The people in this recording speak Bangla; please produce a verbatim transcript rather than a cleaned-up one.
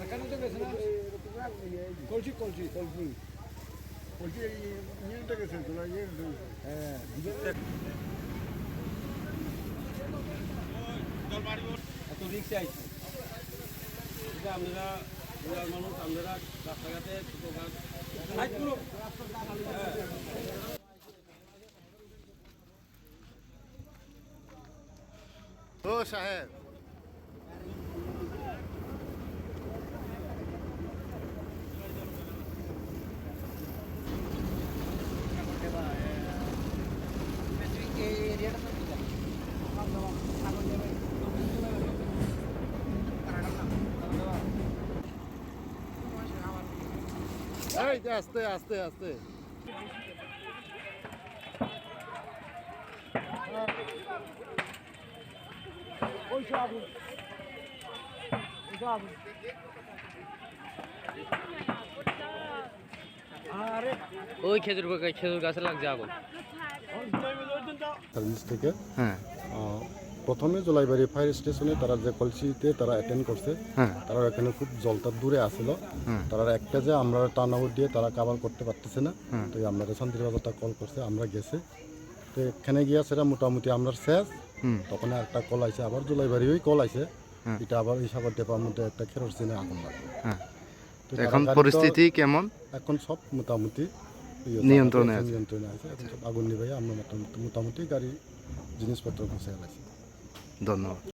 এখানে তো গেছে না কলসি কলসি কলসি কলসি ইঞ্জিনটা গেছে তোলা ইয়ে হ্যাঁ এত রিক্সে আইছি এটা আমরা রুরাল মানুষ আমরা রাস্তাঘাটে ছোটো গাছ ও সাহেব এই যে আস্তে আস্তে আস্তে ওই সব আগুন ওই সব আগুন আরে ওই খেজুর বাগান খেজুর গাছে লাগছে আগুন সার্ভিস থেকে হ্যাঁ আহ, প্রথমে জলাইবাড়ি ফায়ার স্টেশনে তারা যে কলসিতে তারা অ্যাটেন্ড করছে হ্যাঁ তারা এখানে খুব জলটা দূরে আসলো হুম। তারা একটা যে আমরা টার্ন আউট দিয়ে তারা কাভার করতে পারতেছে না হুম। তো আমরা শান্তির বাজারটা কল করছে আমরা গেছে তো এখানে গিয়া সেটা মোটামুটি আমরা শেষ হুম তখন একটা কল আইছে আবার জলাইবাড়ি ওই কল আইছে হুম। এটা আবার এই সাগর টেপার মধ্যে একটা কেরোসিনে আগুন লাগে হ্যাঁ তো এখন তারা পরিস্থিতি কেমন গাড়ি তো এখন সব মোটামুটি ইয়ে নিয়ন্ত্রণে আছে। নিয়ন্ত্রণে আছে এখন সব আগুন নিভাই আমরা মোটামুটি মোটামুটি গাড়ি জিনিসপত্র গুছিয়ে গেছে ধন্যবাদ।